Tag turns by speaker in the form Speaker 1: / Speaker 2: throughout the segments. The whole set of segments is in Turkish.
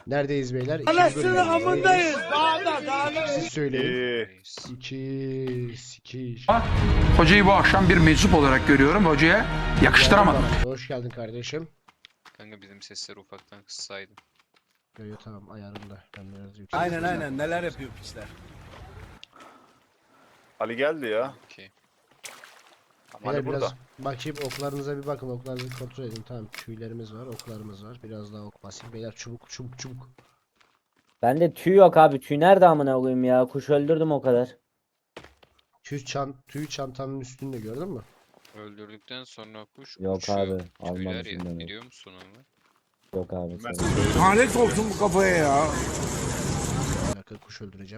Speaker 1: Neredeyiz beyler?
Speaker 2: Anasını amındayız. Dağda.
Speaker 1: Siz söyleyin.
Speaker 3: 2.
Speaker 1: 2
Speaker 4: Hocayı bu akşam bir meczup olarak görüyorum. Hocaya yakıştıramadım.
Speaker 1: Hoş geldin kardeşim.
Speaker 3: Kanka bizim sesleri ufaktan kıssaydım.
Speaker 1: Yo, tamam ayarında. Ben biraz yüksek.
Speaker 2: Aynen neler yapıyor pisler.
Speaker 5: Ali geldi ya.
Speaker 3: Okey.
Speaker 5: Ama
Speaker 1: Beyler
Speaker 5: Ali burada.
Speaker 1: biraz bakayım, oklarınıza bir bakın. Oklarınızı kontrol edin. Tamam, tüylerimiz var, oklarımız var. Biraz daha ok basayım. Beyler çubuk.
Speaker 6: Bende tüy yok abi. Tüy nerede amına koyayım ya? Kuş öldürdüm o kadar.
Speaker 1: Tüy çantanın üstünde, gördün mü?
Speaker 3: Öldürdükten sonra kuş
Speaker 6: Yok
Speaker 3: uçuyor.
Speaker 6: abi,
Speaker 3: Tüyler
Speaker 6: almamışım
Speaker 3: ya.
Speaker 6: ben.
Speaker 3: Biliyor musun onu?
Speaker 6: Yok abi.
Speaker 5: Ben
Speaker 6: sen-
Speaker 2: Lanet olsun bu kafaya ya.
Speaker 1: Bir dakika, kuş öldüreceğim.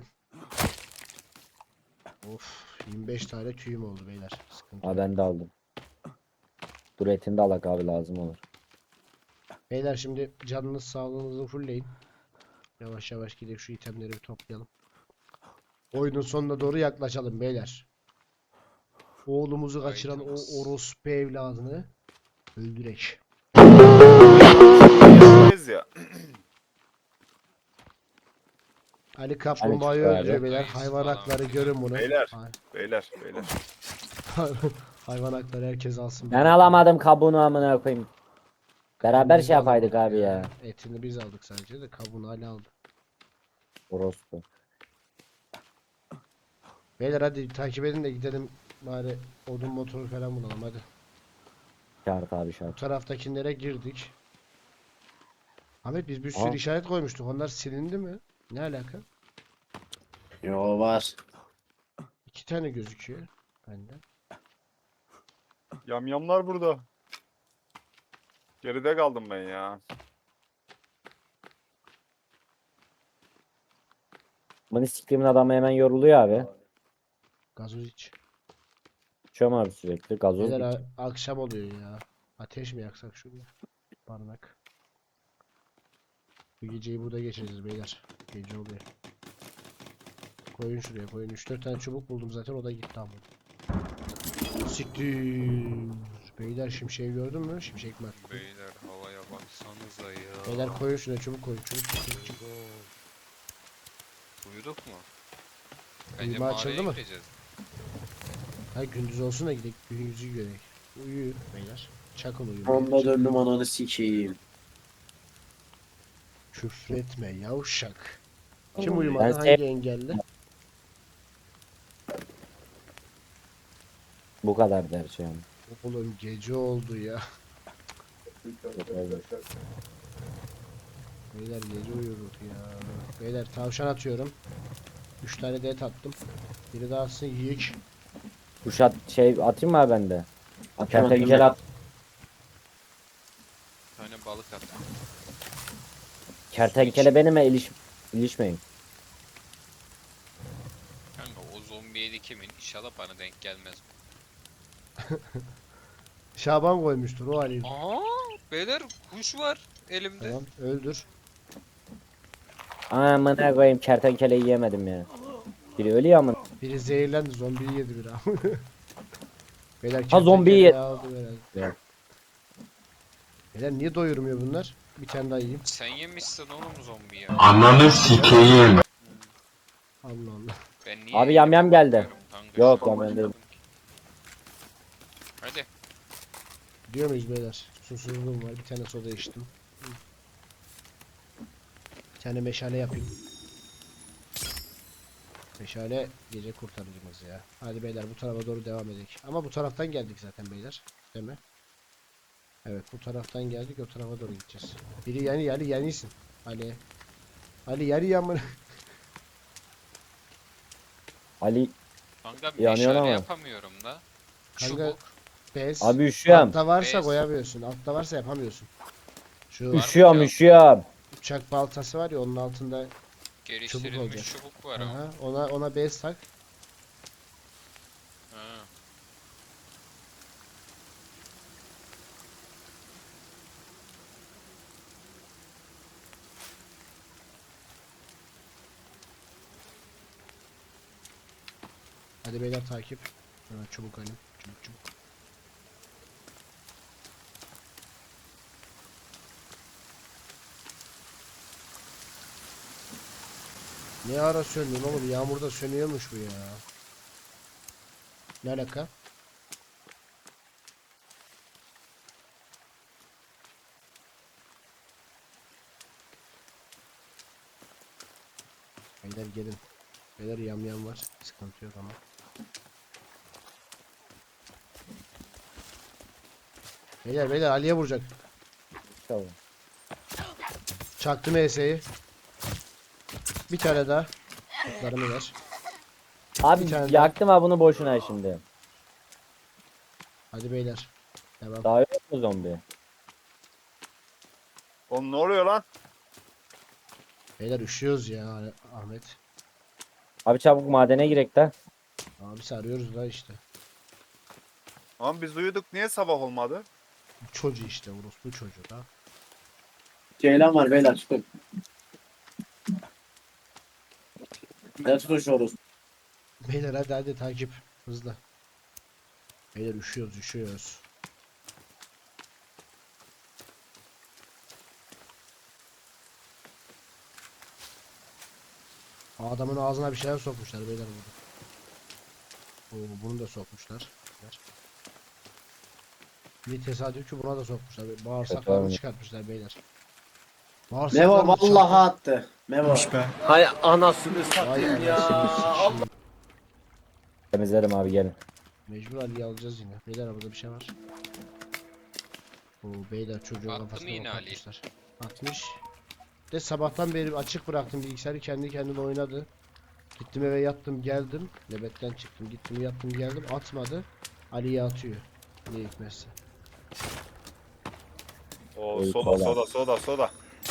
Speaker 1: Of, 25 tane tüyüm oldu beyler. Sıkıntı
Speaker 6: Ha
Speaker 1: yok.
Speaker 6: ben de aldım. Dur etini de alak abi, lazım olur.
Speaker 1: Beyler şimdi canınız sağlığınızı fullleyin. Yavaş yavaş gidip şu itemleri bir toplayalım. Oyunun sonuna doğru yaklaşalım beyler. Oğlumuzu kaçıran o
Speaker 3: Items.
Speaker 1: orospu evladını öldürek.
Speaker 5: Yazdayız ya.
Speaker 1: Ali Kaplumbağa'yı
Speaker 6: çıktı abi.
Speaker 1: öldürüyor beyler.
Speaker 3: Ayısı
Speaker 1: Hayvan
Speaker 3: falan
Speaker 1: hakları
Speaker 3: filan.
Speaker 1: görün bunu.
Speaker 5: Beyler.
Speaker 1: Hay-
Speaker 5: Beyler.
Speaker 1: Hayvan hakları herkes alsın.
Speaker 6: Ben alamadım kabuğunu amına koyayım. Beraber şey yapaydık abi ya.
Speaker 1: Etini biz aldık sadece de kabuğunu Ali aldı.
Speaker 6: Orospu.
Speaker 1: Beyler hadi takip edin de gidelim bari, odun motoru falan bulalım hadi.
Speaker 6: Şart abi
Speaker 1: Bu
Speaker 6: şart.
Speaker 1: taraftakilere girdik. Ahmet, biz bir sürü
Speaker 6: Aa.
Speaker 1: işaret koymuştuk. Onlar silindi mi? Ne alaka?
Speaker 7: Yo var.
Speaker 1: 2 tane gözüküyor bende.
Speaker 5: Yamyamlar burada. Geride kaldım ben ya.
Speaker 6: Bunu siktiğimin adamı hemen yoruluyor abi.
Speaker 1: Gazoz iç.
Speaker 6: İçiyorum abi sürekli. Gazoz
Speaker 1: Beyler
Speaker 6: içiyorum.
Speaker 1: akşam oluyor ya. Ateş mi yaksak şurada? Barınak. Bu geceyi burada geçireceğiz beyler. Gece oluyor. Koyun şuraya koyun. 3-4 tane çubuk buldum zaten, o da gitti ama. Siktir. Beyler şimşeği gördün mü? Şimşek mi attı?
Speaker 3: Beyler havaya baksanıza ya.
Speaker 1: Beyler koyun şuraya, çubuk koyun. Çubuk.
Speaker 3: Uyuduk mu? Bence
Speaker 1: Uyuma açıldı
Speaker 3: mağaraya
Speaker 1: mı?
Speaker 3: gireceğiz.
Speaker 1: Ha, gündüz olsun da gidelim. Gündüzü görelim. Uyu beyler. Çakın uyumayı.
Speaker 7: Onda döndüm ananı sikeyim.
Speaker 1: Küfretme yavşak. Kim uyumadı?
Speaker 6: Ben
Speaker 1: Hangi engelli?
Speaker 6: Bu kadar der şey yani.
Speaker 1: Oğlum gece oldu ya. Beyler gece uyuduk ya. Beyler tavşan atıyorum. 3 tane de et attım. Biri daha atsın, yiyik.
Speaker 6: Kuşat şey atayım mı abi ben de? Kertenkele at.
Speaker 3: Bir tane balık at.
Speaker 6: Kertenkele benimle ilişmeyin.
Speaker 3: Kanka o zombi yedi kimin? İnşallah bana denk gelmez.
Speaker 1: Şaban koymuştur o halini.
Speaker 3: Aa, beyler kuş var elimde.
Speaker 1: Tamam, öldür.
Speaker 6: Amına koyayım, kertenkeleyi yemedim ya. Biri ölüyor amına.
Speaker 1: Biri zehirlendi, zombiyi yedi biri. Beyler
Speaker 6: Ha, zombiyi
Speaker 1: kertenkele aldı herhalde.
Speaker 6: Evet.
Speaker 1: Beyler niye doyurmuyor bunlar? Bir tane daha yiyeyim.
Speaker 3: Sen yemişsin oğlum zombi ya.
Speaker 1: Allah Allah.
Speaker 3: Ben niye
Speaker 6: Abi yamyam geldi.
Speaker 3: bilmiyorum kanka,
Speaker 6: Yok,
Speaker 3: şu an
Speaker 6: yamyam değil.
Speaker 3: anladım ki. Hadi.
Speaker 1: Gidiyor muyuz beyler? Susuzluğum var. Bir tane soda içtim. Bir tane meşale yapayım. Meşale gece kurtarıcımız ya. Hadi beyler bu tarafa doğru devam edelim. Ama bu taraftan geldik zaten beyler. Değil mi? Evet, bu taraftan geldik, o tarafa doğru gideceğiz. Biri yenisin. Ali yarı yamını.
Speaker 6: Ali
Speaker 3: Kanka
Speaker 6: Yanıyor
Speaker 3: meşale
Speaker 6: ama.
Speaker 3: yapamıyorum da.
Speaker 1: Kanka,
Speaker 3: Çubuk.
Speaker 1: Bez.
Speaker 6: abi üşüyorum.
Speaker 1: Altta varsa
Speaker 3: Bez.
Speaker 1: koyamıyorsun. Altta varsa yapamıyorsun. Şu
Speaker 3: mı
Speaker 6: Üşüyorum
Speaker 3: cevap?
Speaker 6: üşüyorum.
Speaker 1: uçak baltası var ya, onun altında.
Speaker 3: Geliştirilmiş
Speaker 1: olacak.
Speaker 3: çubuk var ama.
Speaker 1: Aha, ona bez tak.
Speaker 3: Ha.
Speaker 1: Hadi beyler takip. Hemen çubuk alayım. Çubuk. Ne ara söndün oğlum? Yağmurda sönüyormuş bu ya. Ne alaka? Beyler gelin. Beyler yamyam var. Sıkıntı yok ama. Beyler Ali'ye vuracak.
Speaker 6: Tamam.
Speaker 1: Çaktım ES'yi. Bir tane daha. Kutlarımı ver.
Speaker 6: Abi
Speaker 1: Bir tane daha.
Speaker 6: yaktım ha bunu boşuna şimdi.
Speaker 1: Hadi beyler. Devam.
Speaker 6: Daha yok mu zombi?
Speaker 5: Oğlum ne oluyor lan?
Speaker 1: Beyler üşüyoruz ya Ahmet.
Speaker 6: Abi çabuk madene girek de.
Speaker 1: Abi sarıyoruz da işte.
Speaker 5: Lan biz uyuduk niye sabah olmadı?
Speaker 1: Bu çocuğu işte orospu çocuğu da.
Speaker 7: Ceylan var beyler çıkın. Ne tutuşuyoruz?
Speaker 1: Beyler hadi takip. Hızlı. Beyler üşüyoruz. Adamın ağzına bir şeyler sokmuşlar beyler burada. Oo, bunu da sokmuşlar. Bir tesadüf ki buna da sokmuşlar. Bağırsaklarını
Speaker 6: olmuş.
Speaker 1: çıkartmışlar beyler.
Speaker 7: Mevo
Speaker 1: Bağırsaklarını
Speaker 7: vallahi attı. Mevo.
Speaker 2: Hay anasını
Speaker 1: Vay
Speaker 2: satayım ya.
Speaker 1: anasını sikeyim.
Speaker 6: Temizlerim abi gelin.
Speaker 1: Mecbur Ali'yi alacağız yine. Beyler burada bir şey var. Oo beyler çocuğun
Speaker 3: Attı mı
Speaker 1: kafasına
Speaker 3: yine Ali?
Speaker 1: atmışlar. Atmış. De sabahtan beri açık bıraktım bilgisayarı kendi kendine oynadı. Gittim eve yattım geldim. Nöbetten çıktım gittim yattım geldim atmadı. Ali'ye atıyor. Ne hikmetse.
Speaker 5: Oo
Speaker 6: Oy,
Speaker 5: soda
Speaker 6: kola.
Speaker 5: soda.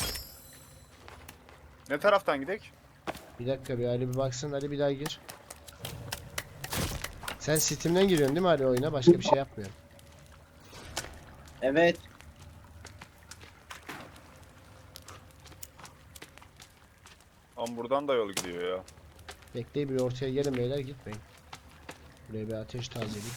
Speaker 5: Ne taraftan gidek?
Speaker 1: Bir dakika bir Ali bir baksın Ali bir daha gir. Sen Steam'den giriyorsun değil mi Ali oyuna? Başka bir şey yapmıyorsun.
Speaker 7: Evet.
Speaker 5: Lan buradan da yol gidiyor ya.
Speaker 1: Bekleyin bir ortaya gelin beyler gitmeyin. Buraya bir ateş tazeleyeyim.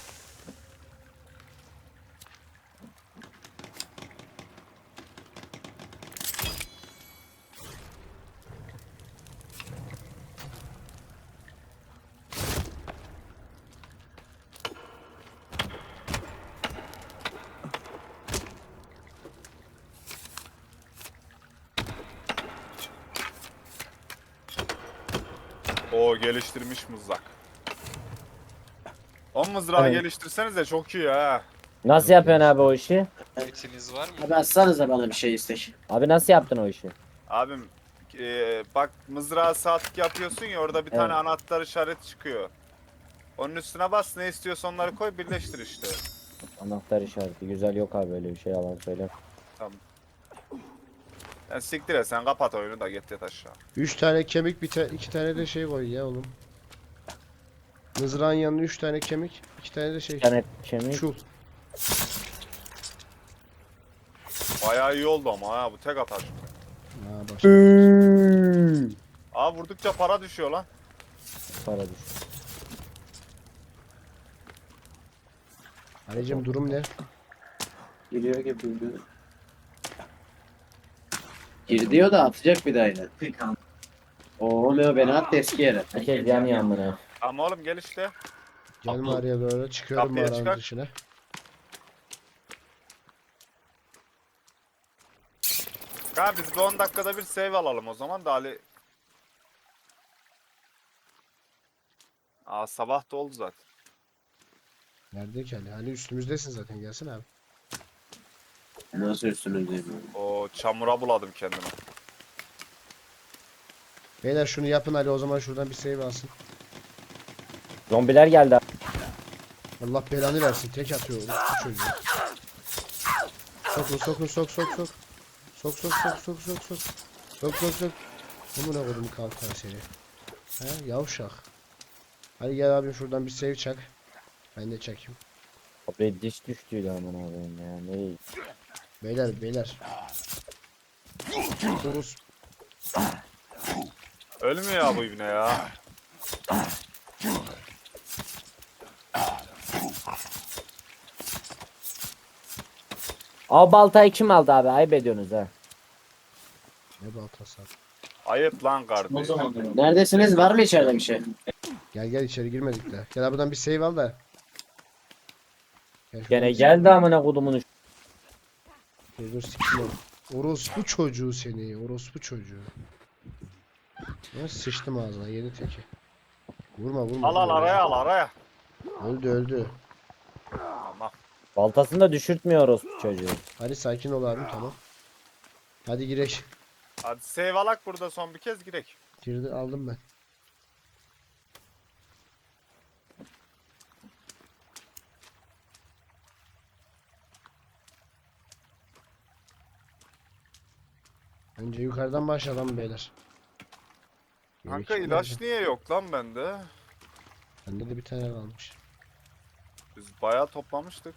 Speaker 5: O geliştirmiş mızrak. O mızrağı
Speaker 6: Evet.
Speaker 5: geliştirsenize çok iyi ha.
Speaker 6: Nasıl yapıyorsun abi o işi?
Speaker 3: Etiniz var mı?
Speaker 7: Abi atsanıza bana bir şey istek.
Speaker 6: Abi nasıl yaptın o işi?
Speaker 5: Abim bak mızrağı sağ tık yapıyorsun ya orada bir tane anahtar işareti çıkıyor. Onun üstüne bas ne istiyorsan onları koy birleştir işte.
Speaker 6: Anahtar işareti. Güzel yok abi öyle bir şey yalan söyle.
Speaker 5: Tamam. Sen siktir et sen kapat oyunu da git yat aşağı.
Speaker 1: 3 tane kemik, 2 tane de şey koy ya oğlum. Mızrağın yanına 3 tane kemik, 2 tane de şey.
Speaker 6: Bir tane kemik.
Speaker 1: Çul.
Speaker 5: Bayağı iyi oldu ama ha bu tek atar.
Speaker 1: Ha başla.
Speaker 5: Aa vurdukça para düşüyor lan.
Speaker 6: Para düş.
Speaker 1: Ali'cim durum ne?
Speaker 7: Giriyor gibi bilmiyorum. Gir diyor da atacak bir daha yine. Oo Meo beni attı eski yere.
Speaker 6: Herkes yanıyor amına.
Speaker 5: Ama oğlum gel işte.
Speaker 1: Gel mağaraya doğru çıkıyorum
Speaker 5: Kapıya
Speaker 1: mağaranın
Speaker 5: çıkar.
Speaker 1: dışına.
Speaker 5: Ha biz bir 10 dakikada bir save alalım o zaman da Ali. Aa sabah da oldu zaten.
Speaker 1: Nerede ki Ali? Ali üstümüzdesin zaten gelsene abi.
Speaker 7: Nasıl üstünüzdeyim?
Speaker 5: O çamura buladım kendimi.
Speaker 1: Beyler şunu yapın Ali o zaman şuradan bir save alsın.
Speaker 6: Zombiler geldi abi.
Speaker 1: Allah belanı versin tek atıyor bu çocuğu. Sokun sok. Sok. Amına koydum kalkan seni. He yavşak. Hadi gel abim şuradan bir save çak. Ben de çakayım.
Speaker 6: Abi diş düştüydü amına koyayım ya. Ne?
Speaker 1: Beyler. Urus.
Speaker 5: Ölmüyor ya bu ibne ya.
Speaker 6: Abi baltayı kim aldı abi? Ayıp ediyorsunuz ha.
Speaker 1: Ne baltası abi.
Speaker 5: Ayıp lan kardeş.
Speaker 7: Neredesiniz? Var mı içeride bir şey?
Speaker 1: Gel gel içeri girmedik de. Gel buradan bir save al da. Gel şuradan
Speaker 6: Gene
Speaker 1: bir
Speaker 6: geldi amına kodumun.
Speaker 1: save- Dur siktim onu. Orospu çocuğu seni. Orospu çocuğu. Sıçtım ağzına yeni teki. Vurma vurma.
Speaker 5: Al al
Speaker 1: vurma.
Speaker 5: araya al araya.
Speaker 1: Öldü öldü.
Speaker 5: Tamam.
Speaker 6: Baltasını da düşürtmüyoruz bu çocuğu.
Speaker 1: Hadi sakin ol abim tamam. Hadi girek.
Speaker 5: Hadi save alak burada son bir kez girek.
Speaker 1: Girdi aldım ben. Önce yukarıdan başlayalım beyler.
Speaker 5: Kanka
Speaker 1: Gerek
Speaker 5: ilaç
Speaker 1: yok.
Speaker 5: niye yok lan bende?
Speaker 1: Bende de bir tane kalmış.
Speaker 5: Biz bayağı toplamıştık.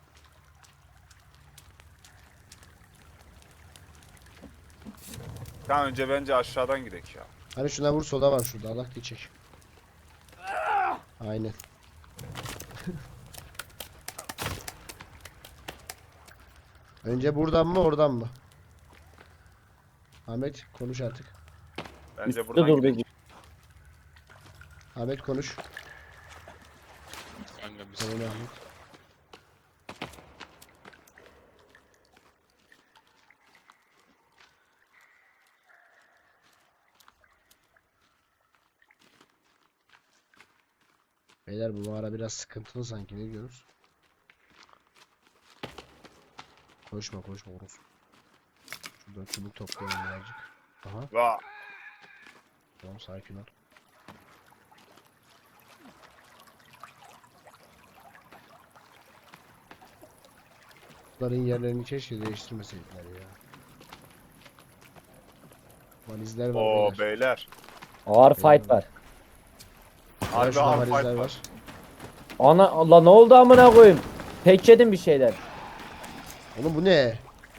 Speaker 5: Kanka önce bence aşağıdan girek ya.
Speaker 1: Hani şuna vur soda var şurada Allah geçecek. Aynen. Önce buradan mı oradan mı? Ahmet konuş artık.
Speaker 5: Bence
Speaker 6: Üstte
Speaker 5: buradan
Speaker 6: durdu.
Speaker 5: girek.
Speaker 1: Ahmet konuş.
Speaker 3: Kanka biz
Speaker 1: Söyle Ahmet. Beyler bu mağara biraz sıkıntılı sanki ne diyorsunuz? Koşma koşma orospu. Şuradan çubuk toplayalım birazcık. Aha
Speaker 5: Va.
Speaker 1: tamam sakin ol. Bunların yerlerini keşke değiştirmeseydiler ya. Valizler var
Speaker 5: Oo
Speaker 1: beyler.
Speaker 5: beyler.
Speaker 6: Ağır fight var.
Speaker 5: Harbi
Speaker 1: Şurada
Speaker 5: hard
Speaker 1: valizler
Speaker 5: fight
Speaker 1: var.
Speaker 5: var.
Speaker 6: Ana Allah ne oldu amına koyayım? Tek yedim bir şeyler.
Speaker 1: Oğlum bu ne?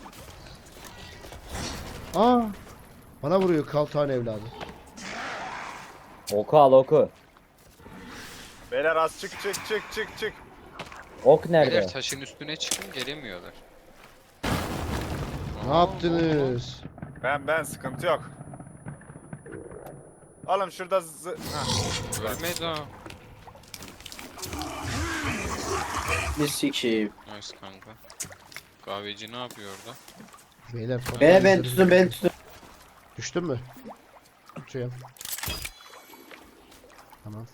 Speaker 1: Aa! Bana vuruyor kaltan evladı.
Speaker 6: Oku al oku.
Speaker 5: Beyler az çık çık çık çık çık.
Speaker 6: Ok nerede?
Speaker 3: beyler taşın üstüne çıkın gelemiyorlar.
Speaker 1: Ne yaptınız?
Speaker 5: Ben sıkıntı yok. Oğlum şurada
Speaker 3: Ölmedi ha.
Speaker 7: Bir sikeyim.
Speaker 3: Nice kanka. Kahveci ne yapıyor orada?
Speaker 1: Beyler
Speaker 7: Ben tutun ben tutun.
Speaker 1: Düştün mü? Tutuyorum. Tamam.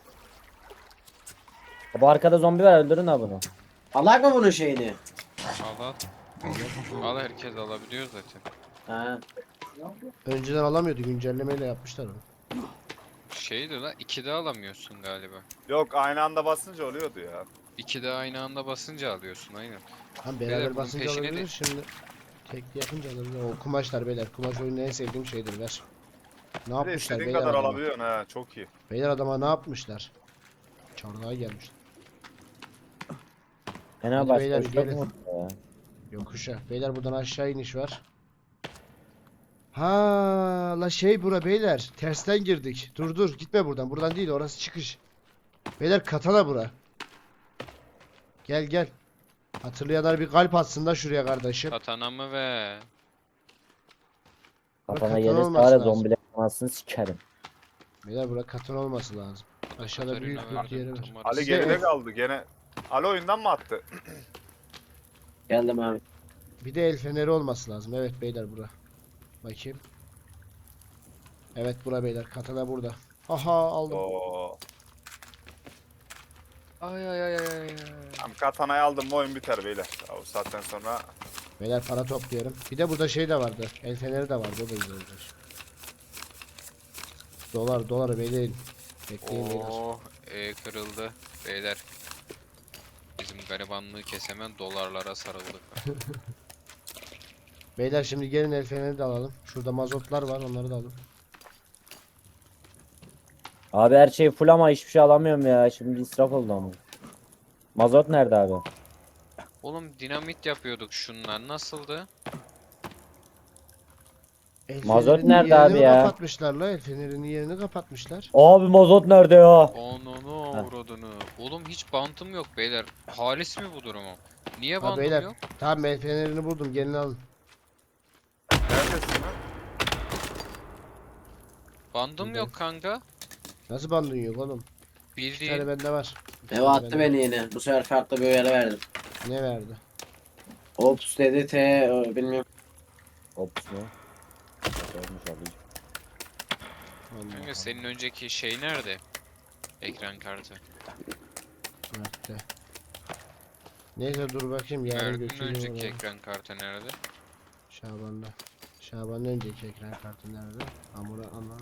Speaker 6: Bu arkada zombi var öldürün ha bunu.
Speaker 7: Alak mı bunun şeyini?
Speaker 3: Al al. Al herkes alabiliyor zaten.
Speaker 7: Ha.
Speaker 1: Önceden alamıyordu güncellemeyle yapmışlar onu.
Speaker 3: Şeydi la 2'de alamıyorsun galiba.
Speaker 5: yok aynı anda basınca oluyordu ya.
Speaker 3: 2'de aynı anda basınca alıyorsun aynen.
Speaker 1: Hem
Speaker 3: Beyler,
Speaker 1: beraber
Speaker 3: bunun
Speaker 1: basınca
Speaker 3: peşine
Speaker 1: alabilir
Speaker 3: de-
Speaker 1: şimdi. Tekli yapınca alabilir. O kumaşlar beyler. Kumaş oyunun en sevdiğim şeydir ver. Ne
Speaker 5: Bir de
Speaker 1: yapmışlar
Speaker 5: istediğin
Speaker 1: beyler
Speaker 5: kadar
Speaker 1: adama?
Speaker 5: alabiliyorsun ha çok iyi.
Speaker 1: Beyler adama ne yapmışlar? Çarlığa gelmişler.
Speaker 6: Fena
Speaker 1: Hadi
Speaker 6: başka
Speaker 1: beyler,
Speaker 6: bir şey
Speaker 1: gelin.
Speaker 6: yok ya.
Speaker 1: Yokuşa. Beyler buradan aşağı iniş var. Ha la şey bura beyler. Tersten girdik. Dur dur gitme buradan. Buradan değil orası çıkış. Beyler katana bura. Gel gel. Hatırlayanlar bir kalp atsın da şuraya kardeşim.
Speaker 3: Katanamı ve
Speaker 6: Kafana
Speaker 1: katana
Speaker 6: gelirse
Speaker 1: olması
Speaker 6: hala
Speaker 1: lazım.
Speaker 6: zombiler anasını sikerim.
Speaker 1: Beyler bura katana olması lazım. Aşağıda
Speaker 3: Katarina
Speaker 1: büyük bir
Speaker 3: verdim,
Speaker 1: yeri var.
Speaker 3: numarası.
Speaker 5: Ali
Speaker 1: Size
Speaker 5: geride
Speaker 1: el-
Speaker 5: kaldı gene. Ali oyundan mı attı?
Speaker 7: Geldim abi.
Speaker 1: Bir de el feneri olması lazım. Evet beyler bura. Bakayım. Evet bura beyler. Katana burada. Aha aldım.
Speaker 5: Oo.
Speaker 3: Ay ay ay ay ay.
Speaker 5: Tam katanayı aldım mı oyun biter beyler. Ya, o saatten sonra
Speaker 1: Beyler para topluyorum. Bir de burada şey de vardı. El feneri de vardı. O da güzel olacak. Dolar bekleyin. Bekleyin beyler.
Speaker 3: Oh kırıldı beyler. Bizim garibanlığı kesemen dolarlara sarıldık.
Speaker 1: Beyler şimdi gelin el feneri de alalım. Şurada mazotlar var onları da alın.
Speaker 6: Abi her şey full ama hiçbir şey alamıyorum ya. Şimdi israf oldu ama. Mazot nerede abi?
Speaker 3: Oğlum dinamit yapıyorduk şunlar nasıldı?
Speaker 1: El
Speaker 6: Mazot
Speaker 1: fenerinin
Speaker 6: nerede
Speaker 1: yerini
Speaker 6: abi ya?
Speaker 1: Kapatmışlar la. El fenerinin yerini kapatmışlar.
Speaker 6: Abi mazot nerede ya?
Speaker 3: Ananı avradını. Oğlum hiç bantım yok beyler. Halis mi bu durumu? Niye
Speaker 1: Ha
Speaker 3: bantım
Speaker 1: beyler.
Speaker 3: yok?
Speaker 1: Tamam el fenerini buldum. Gelin alın.
Speaker 5: neredesin lan?
Speaker 3: Bandım
Speaker 1: Burada.
Speaker 3: yok kanka.
Speaker 1: Nasıl bandın yok oğlum? Bir tane
Speaker 3: Bildiğin.
Speaker 1: bende var. Bir
Speaker 7: Meo
Speaker 1: tane
Speaker 7: attı
Speaker 1: bende
Speaker 7: beni yine. Bu sefer farklı bir uyarı verdim.
Speaker 1: var. Ne verdi?
Speaker 7: Ops dedi bilmiyorum.
Speaker 6: Ops mu? Olmuş abi.
Speaker 1: Allah
Speaker 3: Kanka
Speaker 1: Allah.
Speaker 3: senin önceki şey nerede? Ekran kartı.
Speaker 1: Mert'te. Neyse dur bakayım yarın
Speaker 3: Mert'in
Speaker 1: götürüyorum
Speaker 3: önceki
Speaker 1: onu.
Speaker 3: ekran kartı nerede?
Speaker 1: Şaban'da. Şaban'ın önceki ekran kartı nerede? Amura aman.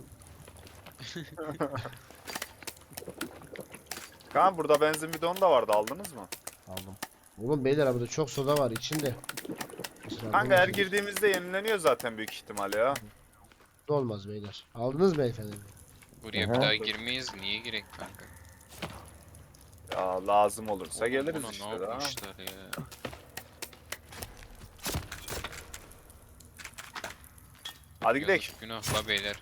Speaker 5: Kaan burada benzin bidonu da vardı, aldınız mı?
Speaker 1: Aldım. Oğlum beyler burada çok soda var içinde. Kusura
Speaker 5: Kanka her
Speaker 1: bakmayın.
Speaker 5: girdiğimizde yenileniyor zaten büyük ihtimal ya.
Speaker 1: Olmaz beyler. Aldınız mı efendim?
Speaker 3: Buraya
Speaker 6: Aha.
Speaker 3: bir daha girmeyiz. Niye girek kanka?
Speaker 5: Ya lazım olursa
Speaker 3: Oğlum
Speaker 5: geliriz
Speaker 3: buna
Speaker 5: işte
Speaker 3: ne
Speaker 5: daha.
Speaker 3: yapmışlar ya?
Speaker 5: Hadi gidelim.
Speaker 3: Yazık, günah la beyler.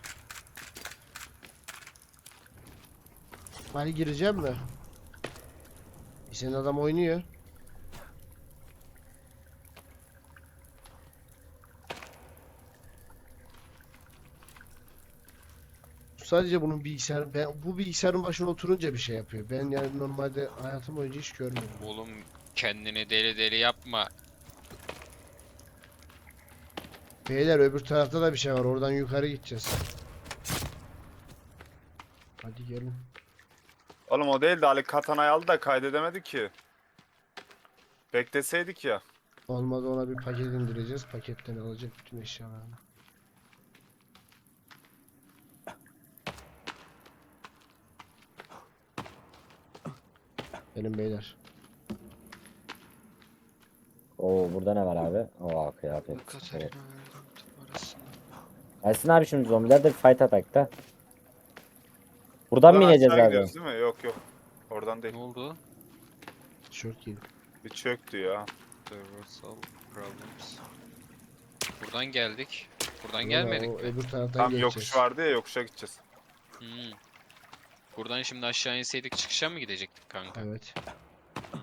Speaker 1: Hadi gireceğim mi? Senin adam oynuyor. Sadece bunun bilgisayar, ben bu bilgisayarın başına oturunca bir şey yapıyor. Ben yani normalde hayatım boyunca hiç görmedim.
Speaker 3: Oğlum kendini deli deli yapma.
Speaker 1: Beyler öbür tarafta da bir şey var. Oradan yukarı gideceğiz. Hadi gelin.
Speaker 5: Oğlum o değil de Ali katanayı aldı da kaydedemedi ki. Bekleseydik ya.
Speaker 1: Olmadı ona bir paket indireceğiz. Paketten alacak bütün eşyalarını. Gelin beyler.
Speaker 6: Oo burada ne var abi? Oo kıyafet.
Speaker 3: Katarina
Speaker 6: Evet.
Speaker 3: verdim parasını.
Speaker 6: Ersin abi şimdi zombiler de fight attack'ta. Buradan mı ineceğiz
Speaker 5: aşağı
Speaker 6: abi?
Speaker 5: gidiyoruz değil mi? Yok yok. Oradan
Speaker 3: Ne
Speaker 5: değil.
Speaker 3: oldu?
Speaker 1: Tişört giyin.
Speaker 5: Bir çöktü ya.
Speaker 3: Reversal problems. Buradan geldik. Buradan
Speaker 1: Ulan
Speaker 3: gelmedik
Speaker 1: o
Speaker 3: mi?
Speaker 1: öbür taraftan
Speaker 5: Tam
Speaker 1: geçeceğiz.
Speaker 5: yokuş vardı ya, yokuşa gideceğiz.
Speaker 3: Hmm. Buradan şimdi aşağı inseydik çıkışa mı gidecektik kanka?
Speaker 1: Evet.
Speaker 3: Hmm.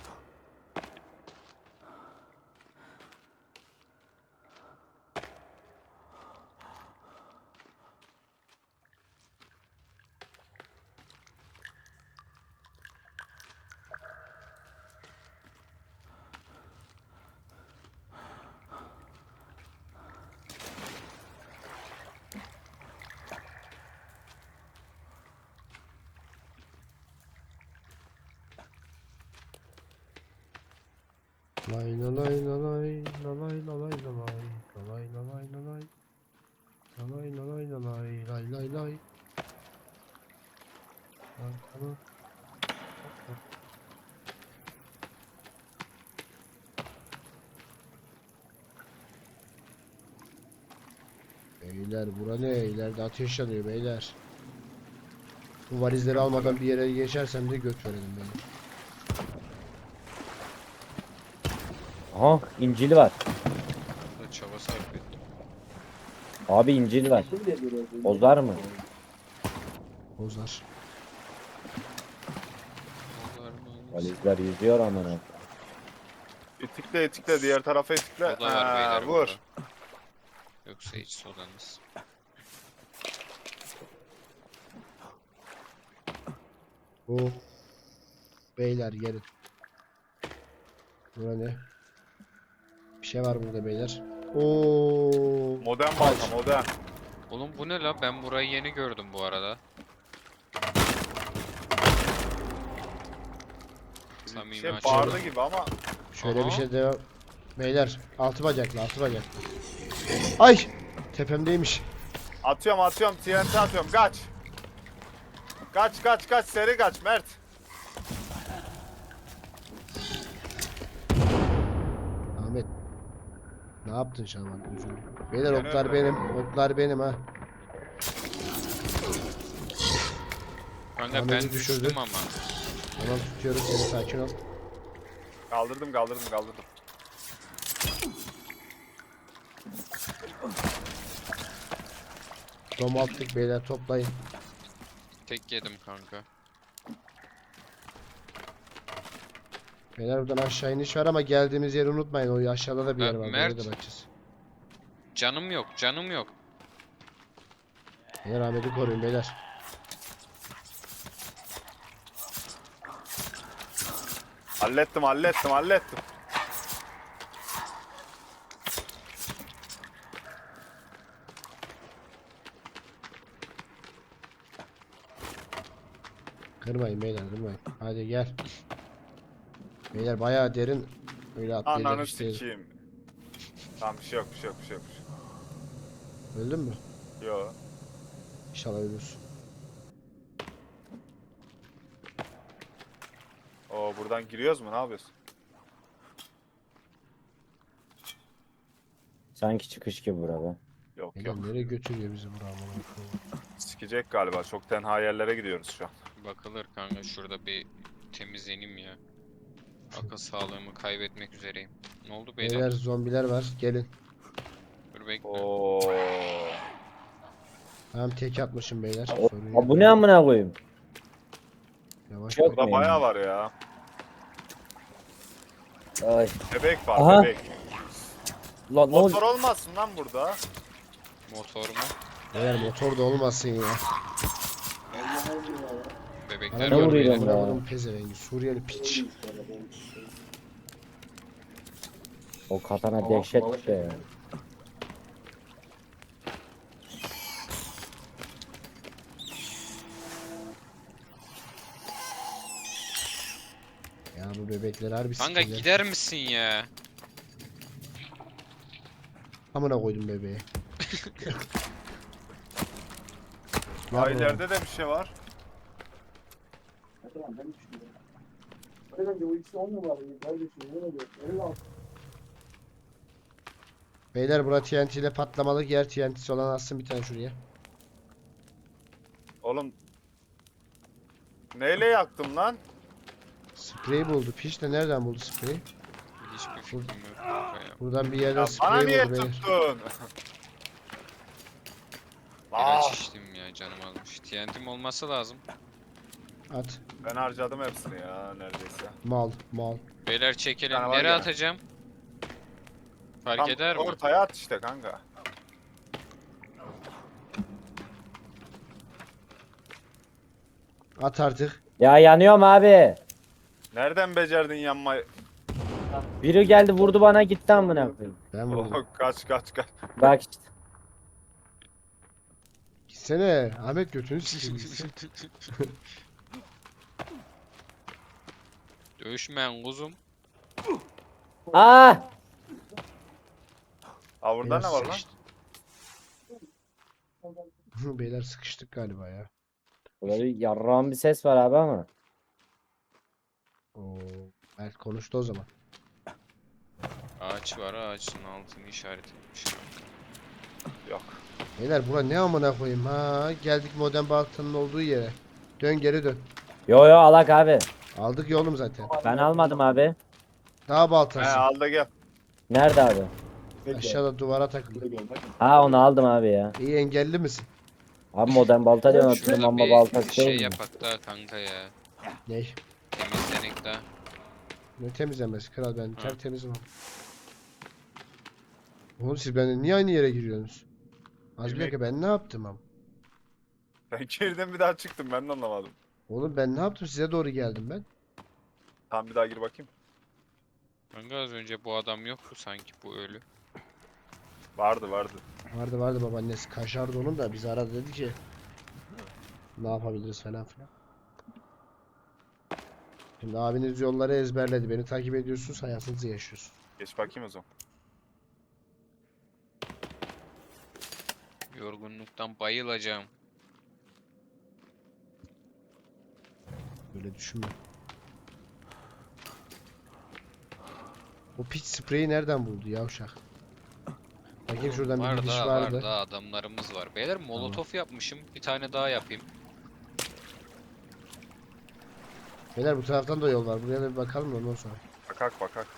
Speaker 1: Lay la lay la lay la lay la lay la lay la lay la lay la lay la lay la lay la lay lay lay lay. Lan tamam. Beyler bura ne? İleride ateş yanıyor beyler. Bu valizleri almadan bir yere geçersem de göt verelim beni.
Speaker 6: Aha İncil var.
Speaker 3: Burada çaba sarf ettim.
Speaker 6: Abi İncil var. Bozar mı?
Speaker 1: Bozar.
Speaker 3: Dolar mı?
Speaker 6: Valizler yüzüyor amına.
Speaker 5: İtikle itikle, diğer tarafa itikle.
Speaker 3: Soda var beyler
Speaker 5: vur.
Speaker 3: burada. Yoksa hiç sodanız.
Speaker 1: Bu beyler gelin. Bura ne? Bir şey var burada beyler. Oo.
Speaker 5: Modern balta, modern.
Speaker 3: Oğlum bu ne la? Ben burayı yeni gördüm bu arada.
Speaker 5: Bir
Speaker 3: Samimi
Speaker 5: şey
Speaker 3: açıyorum.
Speaker 5: bağırdı gibi ama
Speaker 1: Şöyle
Speaker 3: Aha.
Speaker 1: bir şey devam. Beyler altı bacaklı altı bacaklı. Ay! Tepemdeymiş.
Speaker 5: atıyorum TNT atıyorum, kaç. Kaç seri kaç Mert.
Speaker 1: Ahmet. Ne yaptın Şaban? Üzüldüm. Beyler
Speaker 5: Yani
Speaker 1: oklar
Speaker 5: öyle.
Speaker 1: benim. Oklar benim ha.
Speaker 3: Kanka
Speaker 1: Ahmet'i
Speaker 3: ben
Speaker 1: düşürdü.
Speaker 3: düştüm ama.
Speaker 1: Tamam tutuyorum seni sakin ol.
Speaker 5: Kaldırdım.
Speaker 1: Dom attık beyler toplayın.
Speaker 3: Tek yedim kanka.
Speaker 1: Beyler buradan aşağı iniş var ama geldiğimiz yeri unutmayın. O aşağıda da bir yer var. Oraya
Speaker 3: Mert.
Speaker 1: da bakacağız.
Speaker 3: Canım yok, canım yok.
Speaker 1: Beyler Ahmet'i koruyun beyler.
Speaker 5: Hallettim.
Speaker 1: Kırmayın beyler kırmayın. Hadi gel. Beyler bayağı derin. Öyle atlayacak
Speaker 5: Ananı
Speaker 1: iş değil.
Speaker 5: sikeyim. Tamam bir şey yok.
Speaker 1: Öldün mü?
Speaker 5: Yo.
Speaker 1: İnşallah ölürsün.
Speaker 5: Oo buradan giriyoruz mu? Ne yapıyorsun?
Speaker 6: Sanki çıkış gibi burada.
Speaker 5: Yok
Speaker 1: Beyler
Speaker 5: yok.
Speaker 1: nereye götürüyor bizi buram?
Speaker 5: Sikecek galiba. Çok tenha yerlere gidiyoruz şu an.
Speaker 3: Bakılır kanka, şurada bir temizleneyim ya. Akıl sağlığımı kaybetmek üzereyim. Ne oldu beyler?
Speaker 1: Beyler zombiler var. Gelin.
Speaker 3: Dur bekle.
Speaker 5: Oo.
Speaker 1: Tamam tek atmışım beyler.
Speaker 6: O,
Speaker 1: Sorun
Speaker 6: ha,
Speaker 1: yok.
Speaker 6: bu ne amına koyayım?
Speaker 1: Yavaş
Speaker 6: Çok
Speaker 1: bak.
Speaker 5: Burada bayağı var ya.
Speaker 6: Ay.
Speaker 5: Bebek var
Speaker 6: Aha.
Speaker 5: bebek.
Speaker 6: Lan ne oldu?
Speaker 5: Motor olmasın lan burada.
Speaker 3: Motor mu?
Speaker 1: Beyler motor da olmasın ya.
Speaker 3: Bebekler
Speaker 1: Bana
Speaker 6: Ne
Speaker 3: var
Speaker 1: vuruyor
Speaker 6: vuruyor
Speaker 3: beyler.
Speaker 6: lan?
Speaker 1: lan bunun pezevengi. Suriyeli piç.
Speaker 6: O katana dehşet be.
Speaker 1: Ya bu bebekler harbi
Speaker 3: Kanka
Speaker 1: sikirler.
Speaker 3: gider misin ya?
Speaker 1: Amına koydum bebeği. Ne
Speaker 5: Aa
Speaker 1: yapalım?
Speaker 5: ileride de bir şey var.
Speaker 1: Beyler bura TNT ile patlamalık yer, TNT'si olan atsın bir tane şuraya.
Speaker 5: Oğlum. Neyle yaktım lan?
Speaker 1: Sprey buldu. Piç de nereden buldu spreyi?
Speaker 3: Hiçbir fikrim yok kanka ya.
Speaker 1: Buradan bir yerden
Speaker 5: Ya bana
Speaker 1: sprey
Speaker 5: niye
Speaker 1: buldu beyler.
Speaker 5: tuttun? Aa,
Speaker 3: İlaç içtim ya, canım almış. TNT'm olması lazım.
Speaker 1: At.
Speaker 5: ben harcadım hepsini ya neredeyse.
Speaker 1: Mal.
Speaker 3: Beyler çekelim.
Speaker 5: tane var
Speaker 3: Nereye
Speaker 5: gene.
Speaker 3: atacağım? Fark
Speaker 5: Tam
Speaker 3: eder mi?
Speaker 5: ortaya at işte kanka.
Speaker 1: At artık.
Speaker 6: Ya yanıyorum abi.
Speaker 5: Nereden becerdin yanmayı?
Speaker 6: Biri geldi vurdu bana gitti amına koyayım.
Speaker 1: Ben vurdum.
Speaker 5: Oh, kaç.
Speaker 6: Bak işte.
Speaker 1: Gitsene. Ahmet götünü sikeyim gitsin.
Speaker 3: Dövüşmeyen kuzum.
Speaker 6: Aa!
Speaker 5: Aa burada
Speaker 1: Beyler
Speaker 5: ne var lan?
Speaker 1: sıkıştı. Beyler sıkıştık galiba ya.
Speaker 6: Burada bir yarrağın bir ses var abi ama.
Speaker 1: Oo. Mert konuştu o zaman.
Speaker 3: Ağaç var, ağaçın altını işaretlemiş.
Speaker 5: Yok.
Speaker 1: Beyler bura ne amına koyayım ha. Geldik modern baltanın olduğu yere. Dön geri dön.
Speaker 6: Yo alak abi.
Speaker 1: Aldık yolum zaten.
Speaker 6: Ben almadım abi.
Speaker 1: Daha
Speaker 5: He
Speaker 1: baltası.
Speaker 5: al da gel.
Speaker 6: Nerede abi?
Speaker 1: Aşağıda duvara takılı.
Speaker 6: Ha onu aldım abi ya.
Speaker 1: İyi engelli misin?
Speaker 6: Abi modern balta diyorsun
Speaker 3: Şurada
Speaker 6: hatırlıyorum ama
Speaker 3: bir
Speaker 6: baltası
Speaker 3: şey
Speaker 6: değil mi?
Speaker 3: yapak da kanka ya.
Speaker 1: Ney?
Speaker 3: Temizlenek da.
Speaker 1: Ne temizlemesi kral ben
Speaker 3: Ha.
Speaker 1: tertemizim abi. Oğlum siz benden niye aynı yere giriyorsunuz? Az bir
Speaker 5: Yemek-
Speaker 1: dakika ben ne yaptım am?
Speaker 5: Ben girdim bir daha çıktım ben de anlamadım.
Speaker 1: Oğlum ben ne yaptım size doğru geldim ben.
Speaker 5: Tamam bir daha gir bakayım.
Speaker 3: Kanka az önce bu adam yoktu sanki, bu ölü.
Speaker 5: Vardı.
Speaker 1: Vardı babaannesi kaşardı onun da biz aradı dedi ki ne yapabiliriz falan filan. Şimdi abiniz yolları ezberledi. Beni takip ediyorsunuz, hayatınızı yaşıyorsunuz.
Speaker 5: Geç bakayım o zaman.
Speaker 3: Yorgunluktan bayılacağım.
Speaker 1: Böyle düşünme. O piç spreyi nereden buldu yavşak? Bakayım şuradan bir
Speaker 3: Var
Speaker 1: gidiş
Speaker 3: daha
Speaker 1: vardı.
Speaker 3: var daha, adamlarımız var. Beyler molotof yapmışım. Bir tane daha yapayım.
Speaker 1: Beyler bu taraftan da yol var. Buraya da bir bakalım da ondan sonra.
Speaker 5: Bakak.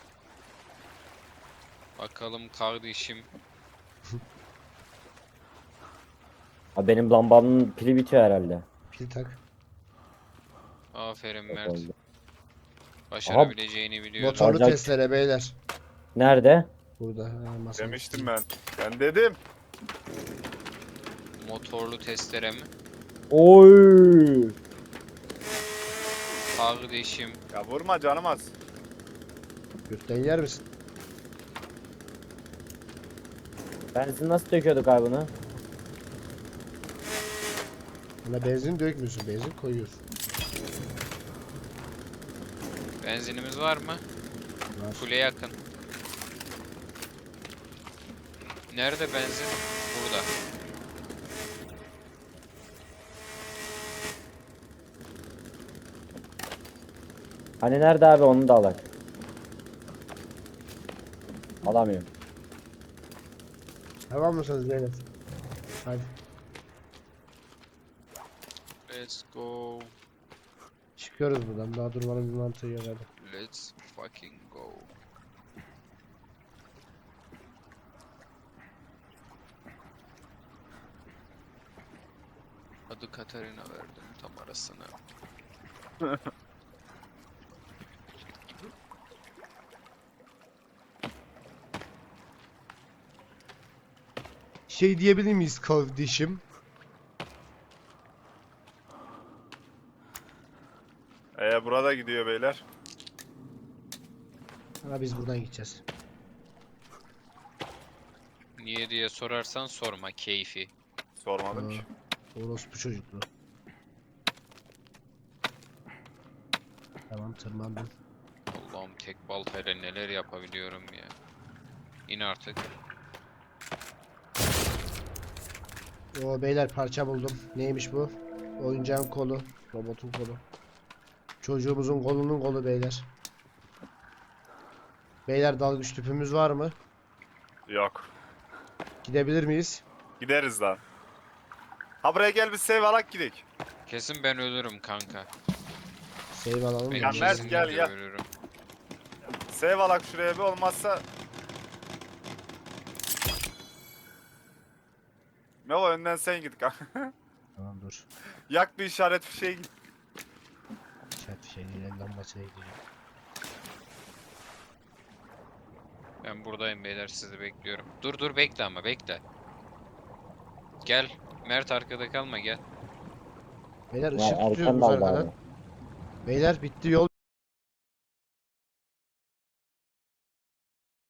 Speaker 3: Bakalım kardeşim.
Speaker 6: Abi benim lambanın pili bitiyor herhalde.
Speaker 1: Pil tak.
Speaker 3: Aferin
Speaker 6: Çok
Speaker 3: Mert.
Speaker 6: oldu.
Speaker 3: Başarabileceğini biliyordum.
Speaker 1: Motorlu
Speaker 6: Olacak.
Speaker 1: testere beyler.
Speaker 6: Nerede?
Speaker 1: Burada. Ha, masanın
Speaker 5: Demiştim
Speaker 1: üstünde.
Speaker 5: ben. Ben dedim.
Speaker 3: Motorlu testere mi?
Speaker 6: Oy.
Speaker 3: Kardeşim.
Speaker 5: Ya vurma canım az.
Speaker 1: Gökten yer misin?
Speaker 6: Benzin nasıl döküyorduk abi bunu?
Speaker 1: Buna benzin dökmüyorsun. Benzin koyuyorsun.
Speaker 3: Benzinimiz var mı?
Speaker 1: Var.
Speaker 3: Kule yakın. Nerede benzin? Burada.
Speaker 6: Hani nerede abi, onu da alak. Alamıyorum.
Speaker 1: Tamam mısınız beyler? Hadi.
Speaker 3: Let's go.
Speaker 1: Çıkıyoruz buradan. Daha durmanın bir mantığı yok hadi.
Speaker 3: Let's fucking go. Adı Katarina verdim tam arasına.
Speaker 1: Şey diyebilir miyiz kardeşim?
Speaker 5: Burada gidiyor beyler.
Speaker 1: Ama biz buradan gideceğiz.
Speaker 3: Niye diye sorarsan sorma, keyfi.
Speaker 5: Sormadım ki.
Speaker 1: Orospu çocuklu. Tamam tırmandım.
Speaker 3: Allah'ım tek baltayla neler yapabiliyorum ya. İn artık.
Speaker 1: O beyler parça buldum. Neymiş bu? Oyuncağın kolu. Robotun kolu. Çocuğumuzun kolunun kolu beyler. Beyler dalgıç tüpümüz var mı?
Speaker 5: Yok.
Speaker 1: Gidebilir miyiz?
Speaker 5: Gideriz lan. Ha buraya gel bir save alak gidelim.
Speaker 3: Kesin ben ölürüm kanka.
Speaker 1: Save alalım.
Speaker 3: Ben
Speaker 5: Ya
Speaker 1: mı?
Speaker 5: Mert,
Speaker 3: kesinlikle
Speaker 5: gel, gel.
Speaker 3: ölürüm.
Speaker 5: Save alak şuraya bir olmazsa. Melo önden sen git kanka.
Speaker 1: Tamam dur.
Speaker 5: Yak bir işaret fişeği git.
Speaker 1: Chat şeyin lambasına gideceğim.
Speaker 3: Ben buradayım beyler, sizi bekliyorum. Dur bekle ama bekle. Gel. Mert arkada kalma, gel.
Speaker 1: Beyler
Speaker 6: Ya
Speaker 1: ışık tutuyoruz
Speaker 6: Erkan
Speaker 1: biz
Speaker 6: da aldı
Speaker 1: arkadan.
Speaker 6: abi.
Speaker 1: Beyler bitti yol.